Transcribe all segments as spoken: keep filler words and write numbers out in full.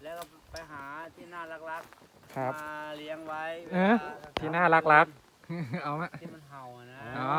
แล้วก็ไปหาที่น่ารักครับๆมาเลี้ยงไว้เอ๊ะวลที่น่ารักรักๆเอาไหมที่มันเห่าอะนะอ๋อ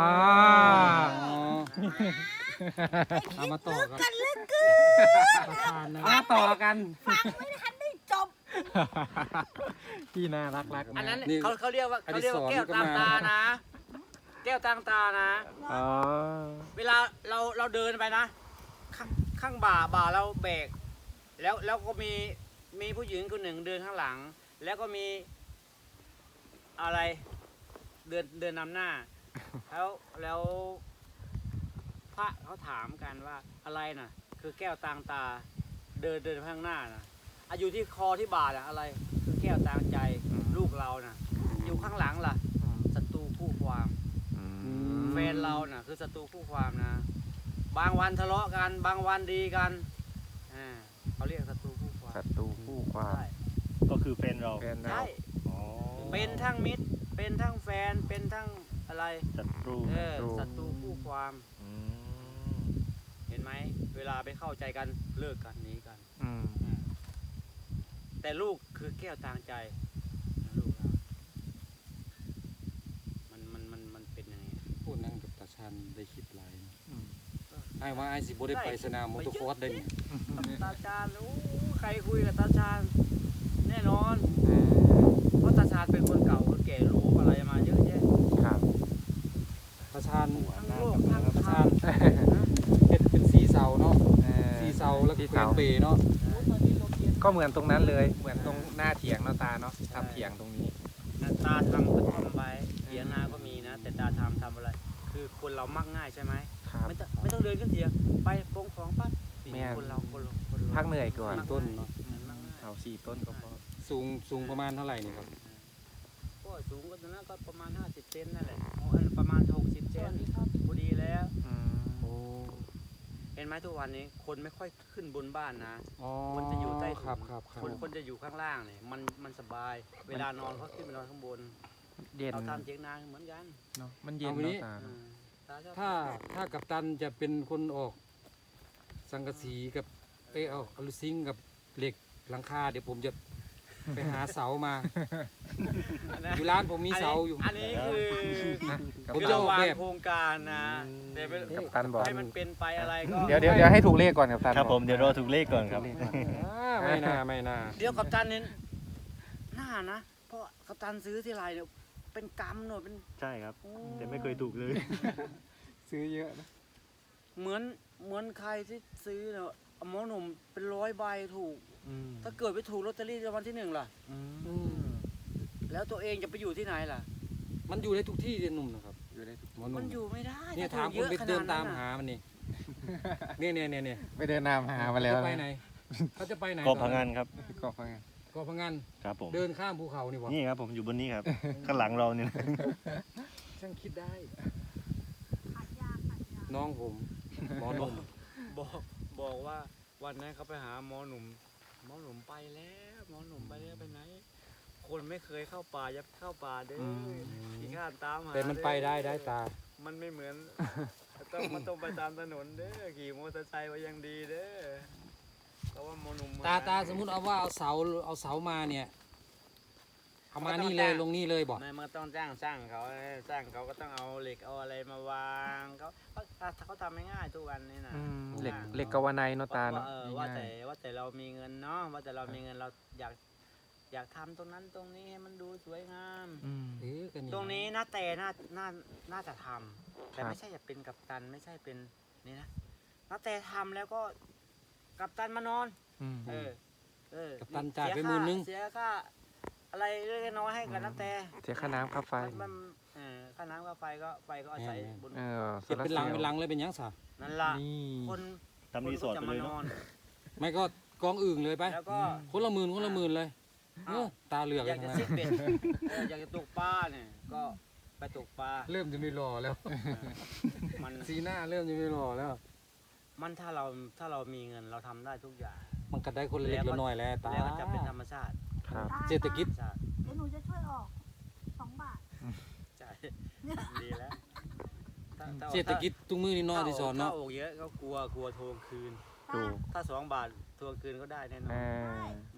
เอามาต่อกันกันลึกเกินประธานนะมาต่อกันฟังไม่ทันได้จบที่น่ารักรักๆอันนั้นนี่เขาเขาเรียกว่าอเขาดิเรียกศว่าร แก้วก็ตามมาตานะ แก้วตามตานะอ๋อเวลาเราเราเดินไปนะ ข้างข้างบ่าบ่าเราเบรกแล้วแล้วก็มีมีผู้หญิงคนหนึ่งเดินข้างหลัง แล้วก็มีอะไรเดินเดินนำหน้า แล้วแล้วพระเขาถามกันว่าอะไรน่ะ คือแก้วตางตา เดินเดินข้างหน้าน่ะอายุที่คอที่บ่าน่ะอะไร คือแก้วตางใจลูกเราน่ะ อยู่ข้างหลังล่ะศัตรูคู่ความอืมแฟนเราน่ะคือศัตรูคู่ความนะ บางวันทะเลาะกัน บางวันดีกันอ่าเขาเรียกศัตรูคู่ความศัตรูคู่ความใช่ก็คือแฟนเราแฟนเราใช่อ๋อเป็นทั้งมิตร เป็นทั้งแฟน เป็นทั้งอะไรศัตรูเออศัตรูคู่ความอืมเห็นไหม เวลาไปเข้าใจกันเลิกกันหนีกันอืมอืมแต่ลูกคือแก้วตางใจลูกเรามันมันมันมันเป็นยังไงพูดนั่งกับตาชันได้คิดหลายนะอืมไอ้ว่าไอ้สิบ่ได้ไปสนามมอเตอร์คอร์สได้เนี่ยกับตาชาญโอ้ใครคุยกับตาชาญแน่นอน เพราะตาชาญเป็นคนเก่าคนแก่รู้อะไรมาเยอะแยะครับตาชันทั้งโลกทั้งตาธรชัรนมเป็นเป็นสีเสาเนาะเออสีเสาแล้วก็สีเป็นเสาเปเนาะก็เหมือนตรงนั้นเลย เหมือนตรงหน้าเถียงเนาะตาเนาะทำเถียงตรงนี้ตาทำก็ทำไปเถียงนาก็มีนะ แต่ตาทำทำอะไร คือคนเรามักง่ายใช่ไหมครับไม่ต้องไม่ต้องเดินขึ้นเถียงไปปรงของปั๊บแม่นคนเราคนเราคนเราพักเหนื่อยก่อนมัต้นเนาะมันมักง่ายเอาสี่ต้นก็พอสูงสูงประมาณเท่าไหร่นี่ครับก็สูงก็ตอนนั้นก็ประมาณห้าสิบเซนนั่นแหละอ๋ออันประมาณหกสิบเซนพอดีแล้วอืมโอ้เห็นไหมทุกวันนี้คนไม่ค่อยขึ้นบนบ้านนะอ๋อคนจะอยู่ใต้ถุนครับครับครับคนคนจะอยู่ข้างล่างเนี่ยมันมันสบาย เวลานอนเขาขึ้นไปนอนข้างบนเย็นเราทำเถียงนาเหมือนกันเนาะมันเย็นเนาะตาเอเนาะอตาชอบถ้าถ้ากัปตันจะเป็นคนออกสังกะสีกับเอยเอาอลูซิงกับเหล็กหลังคาเดี๋ยวผมจะไปหาเสามาอันนั้นอยู่ร้านผมมีเสาอยู่อันนี้คือกัปผมคือจะตันเราวางแบบโครงการนะแต่เป็นกัปตันบอกให้มันเป็นไปอะไรก็เดี๋ยวเดี๋ยวเดี๋ยวให้ถูกเลขก่อนกัปตันครับอกผมเดี๋ยวรอถูกเลขก่อนครับอ่าไม่น่าไม่น่าเดี๋ยวกัปตันเนี่ยหน้านะ เพราะกัปตันซื้อที่ไรเนี่ยเป็นกำหน่อยเป็นใช่ครับโอ้แต่ไม่เคยถูกเลยซื้อเยอะนะเหมือนเหมือนใครที่ซื้อเนี่ยหมอหนุ่มเป็นร้อยใบถูกอืมถ้าเกิดไปถูกลอตเตอรี่รางวัลที่หนึ่งล่ะอืมอืมแล้วตัวเองจะไปอยู่ที่ไหนล่ะมันอยู่ได้ทุกที่เรียนหนุ่มนะครับอยู่ได้ทุกหมอหนุ่มัมนอยู่ไม่ได้เนี่ยถ้ถามถูคกนยอะไปเดินตามขดหามันนี่เนี่ยเนี่ยเนี่ยเนี่ยไปเดินนามหามาแล้วจะไปนะไหนเขาจะไปไหนก็พังงานครับก็ฟังไงเกาะพังงานครับผมเดินข้ามภูเขานี่วะนี่ครับผมอยู่บนนี้ครับ ข้างหลังเราเนี่ยนะช่างคิดได้ขายยาขายยาน้องผมหมอหนุ่มบอกบอกว่าวันนั้นเขาไปหาหมอหนุ่มหมอหนุ่มไปแล้วหมอหนุ่มไปแล้วไปไหน คนไม่เคยเข้าป่าอย่าเข้าป่าเด้อขี้ข้านตามหาแต่มันไปได้ได้ตามันไม่เหมือน ต้องมันต้องไปตามถนนเด้อขี่มอเตอร์ไซค์ไว้ยังดีเด้อเพราะว่าหมอหนุ่มตาตาสมมุติเอาว่าเอาเสาเอาเสามาเนี่ยเอามานี่เลยลงนี่เลยบอกไม่มันก็ต้องจ้างช่างเขาช่างเขาก็ต้องเอาเหล็กเอาอะไรมาวางเขาเขาเขาทำไม่ง่ายทุกวันนี้นะอืมเหล็กเหล็กกาวาไนเนาะตาว่าเนาะเออว่าง่าแต่ยว่าแต่เรามีเงินเนาะว่าแต่เรามีเงินเราอยากอยากทำตรงนั้นตรงนี้ให้มันดูสวยงามๆอืมเออกันตรงนี้น่าแต่น่าน่าน่าจะทำแต่ครับไม่ใช่จะเป็นกัปตันไม่ใช่เป็นนี่นะน่าแต่ทำแล้วก็กัปตันมานอนอืมเออเออกับตันจ่ายไปเสีหมื่นค่นึงเสียค่าอะไรเล็กๆน้อยๆให้กับน้าแต่เสียค่าน้ำค่าไฟมันมันเออค่าน้ำค่าไฟก็ไฟก็อาศัยบนเออโซเก็บลาเป็นร์หลังซลล์เป็นหลังเลยเป็นหยังสะนั่นล่ะนี่คนทำรีสอร์ทคนไปก็เลยจะมานเนาะอนไม่ก็กองอื่นเลยไปแล้วก็คนละหมื่นคนละหมื่นเลยเออตาเหลือกอเลยาย กจะนะซิดเบ็ดเอออยากจะตกปลาเนี่ยก็ไปตกปลาเริ่มจะไม่รอแล้วมันสีหน้าเริ่มจะไม่รอแล้วมันถ้าเราถ้าเรามีเงินเราทำได้ทุกอย่างมันก็ได้คนละเล็กละน้อยแล้วตาแล้วก็จะเป็นธรรมชาติครับตาเศรษฐกิจธรรมชาติเดี๋ยวหนูจะช่วยออกสองบาทใช่ดีแล้วถ้าถ้าเศรษฐกิจตุ้งมือนี่น้อยที่สอนเนาะถ้าโอกเยอะก็กลัวกลัวทวงคืนถูกถ้าสองบาททวงคืนก็ได้แน่นอเอน ออืม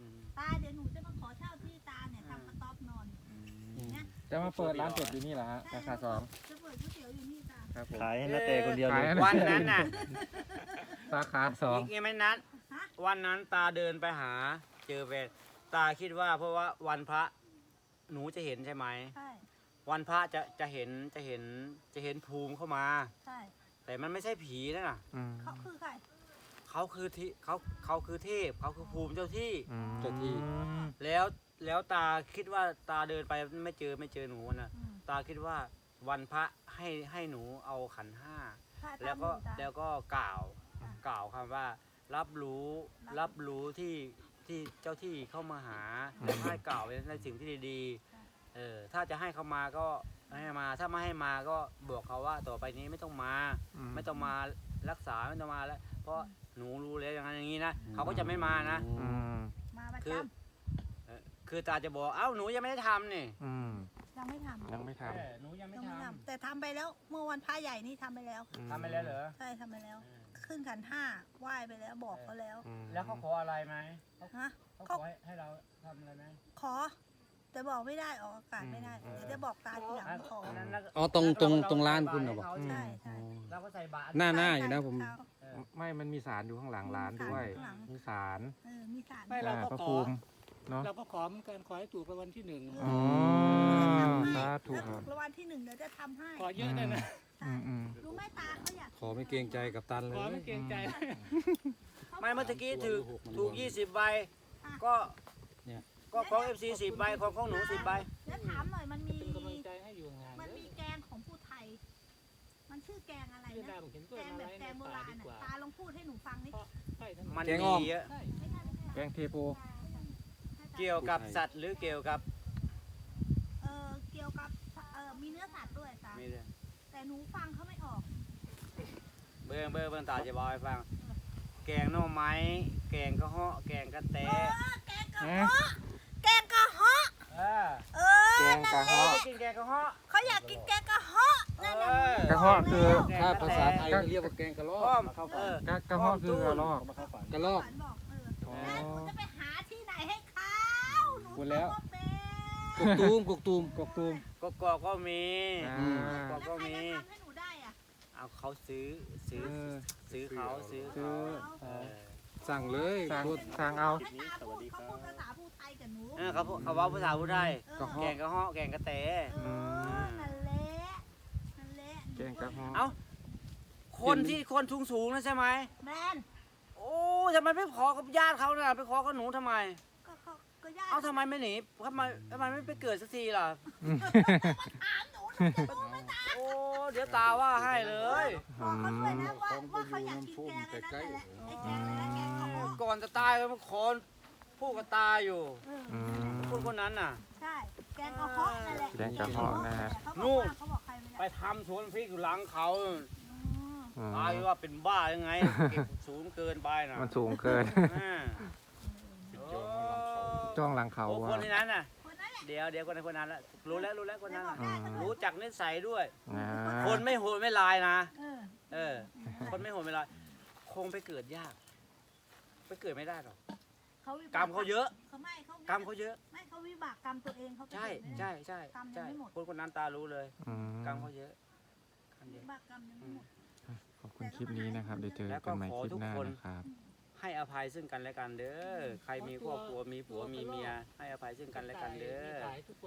เดี๋ยวหนูจะมาขอเช่าที่ตาเนี่ยทำกระต๊อบนอนเนี่ยจะมาเปิดร้านเป็ดอยู่นี่เหรอฮะสาขาสองจะเปิดก๋วยเตี๋ยวอยู่นี่ตาครับผมขายให้นาเตคนเดียวเลยขายวันนั้นน่ะสาขาสองอีกยังไม่นัดฮะวันนั้นตาเดินไปหา เจอแฟนตาคิดว่าเพราะว่าวันพระหนูจะเห็นใช่ไหมใช่วันพระจะจะเห็นจะเห็นจะเห็นภูมิเข้ามาใช่แต่มันไม่ใช่ผีนะน่ะอืมเขาคือใครเขาคือที่เขาเขาคือเทพเขาคือภูมิเจ้าที่อืมเจ้าที่แล้วแล้วตาคิดว่าตาเดินไปไม่เจอไม่เจอหนูนะอืมตาคิดว่าวันพระให้ให้หนูเอาขันห้าพระแล้วก็ทำอยู่ตาแล้วก็กล่าวอ่ะกล่าวคำว่า รับรู้รัรับบรู้ที่ที่เจ้าที่เข้ามาหาอืมแล้วให้กล่าวในสิ่งที่ดีใช่ๆเออถ้าจะให้เขามาก็ให้มา ถ้าไม่ให้มาก็บอกเขาว่าต่อไปนี้ไม่ต้องมา ไม่ต้องมารักษาไม่ต้องมาแล้ว เพราะหนูรู้แล้วอย่างนั้นอย่างนี้นะเขาก็จะไม่มานะอืมมาประคืจอ เออคือตาจะบอกเอ้าหนูยังไม่ได้ทำนี่อืมำยังไม่ทำยังไม่ทเออหนูยังไม่ยังไม่ททำแต่ทำไปแล้วเมื่อวันพระใหญ่นี่ทำไปแล้วำำทำไปแล้วเหรอใช่ทำไปแล้ว ขึ้นขันห้าไหว้ไปแล้วบอกเขาแล้วอืมแล้วเขาขออะไรไหมเขาฮะเขาขอให้ให้เราทำอะไรไหมขอ แต่บอกไม่ได้ออกอากาศไม่ได้เดี๋ยวจะบอกตาทีหลังว่าขออันนั้นนะอ๋อตรงตรงเาตรงร้านคุณเหรอเบอกใใช่ใช่เราก็ใส่บาตรหน้าหน้าอยู่นะผมใช่เออไม่มันมีสารอยู่ข้างหลังร้านด้วยข้างหลังมีสารเออมีสารไม่เราก็พระขอภูมิเนาะเราก็ขอเหมือนกันขอให้ถูกรางวัลที่หนึ่งอ๋อสาธุถ้าคถูรับกรางวัลที่หนึ่งเดี๋ยวจะทำให้ขอเยอะเลยนะอืมอืมรู้ไหมตาเขาอยากขอไม่เกรงใจกับตันเลขอย ไม่เกรงใจไม่เมื่อตะกี้ถูกถูกยี่สิบใบ ก็เนี่ยก็ของเอฟซีสิบใบของของหนูสิบใบแล้วถามหน่อยมันมีเป็นกำลังใจให้อยู่งานมันเด้มีอแกงของผู้ไทย มันชื่อแกงอะไรเรื่องนะราวผมเห็นตัแกวงอะแบไรบในแกงโบป่าราณดีอ่ะกว่าตาลองพูดให้หนูฟังนี่เพราะใช่ทั้งหมมัดนแกงอ่อมดีเยอะใช่ไม่ใช่ไม่ใช่แกงเทโพเกี่ยวกับสัตว์หรือเกี่ยวกับเออเกี่ยวกับเออมีเนื้อสัตว์ด้วยตามีเลยแต่หนูฟังเขาไม่ออกเบิ้งเบิ้งเบิ้งตาจะบอกให้ฟัง แกงหน่อไม้ แกงกระเหาะแกงกระแตเออแกงกระเหาะแกงกระเหาะเออเออแกงกระเขาเหาะไปกินแกงกระเหาะเขาอยากกินแกงกระเหาะนั่นแหละเออกระเหาะคือถ้าภาษาไทยเขาเรียกว่าแกงกะลออ้อก มเข้าเอฝันอกระกระเหาะคือกระรอกมาเข้าฝันกะลอกหวานบอกเอออ๋อแล้วหนูจะไปหาที่ไหนให้เขาหนูพูดแล้วทำาเป็นกกตูมกกตูมกกตูมก็กอกก็มีอ่าอืมกอกแล้วก็ใครมีจะทำให้หนูได้อ่ะเอาเขาซื้อซื้อเออซื้อเขาซื้อซื้เขาอเออสั่งเลยสั่งโทษสั่งเอาให้ตาพูดเขาพูดภาษาพูดไทยกับหนูเออเขาพูดเขาเว่าภาษาพูดไทยเออกระเหาะแกงกระเหาะแกงกระแตเออนั่นแหละนั่นแหละแกงกระเหาะเอ้า คนที่คนสูงสูงๆนะใช่ไหมแมนโอ้ทำไมไม่ขอกับญาติเขาน่ะไปขอกับหนูทำไมก็เขาก็ญาติเอ้าทำไมไม่หนีทำไมทำไมไม่ไปเกิดสักทีล่ะถามหนูหนูจะรู้ไหมตาโอ้เดี๋ยวตาว่าให้เลยบอกเขาด้วยนะว่าว่าเขาอยากกินแกงอะไรนั่นแหละไอ้แกงอะไรนะแกงกระเหาะก่อนจะตายก็มาขอพูดกับตาอยู่เอออืมคนคนนั้นน่ะใช่ แกงกระเหาะนั่นแหละแกงกระเหาะนะฮะเขาบนู่อกนว่าเขาบอกใครไม่ไปได้ทำสวนพริกอยู่หลังเขาอืมอืมตายว่าเป็นบ้ายังไงเก็บสูงเกินไปน่ะมันสูงเกินอ่าโอ้จ้องหลังเขาโอ้อะคนในนั้นน่ะคนนั้นแหละเดี๋ยวเดี๋ยวคนในคนนั้นละรู้แล้วรู้แล้วคนนั้นน่ะอืมรู้จักนิสัยด้วยอ่าคนไม่โหดไม่ลายนะเออเออ คนไม่โหดไม่ลายคงไปเกิดยาก ไปเกิดไม่ได้หรอกเขาวิบกรรมเขาเยอะเขาไม่เขากรรมเขาเยอะไม่เขาวิบากกรรมตัวเองเขาไปใช่เกิดไม่ได้ใช่ใช่กรรมยังใช่ไม่หมดคนคนนั้นตารู้เลยอืมกรรมเขาเยอะกรรมเยวิอะบากกรรมยังไม่หมดขอบคุณคลิปนี้นะครับ เดี๋ยวเจอกันใหม่คลิปหน้านะครับให้อภัยซึ่งกันและกันเด้อ ใครมีครอบครัวมีผัวมีเมีย ให้อภัยซึ่งกันและกันเด้อมีขายทุกคน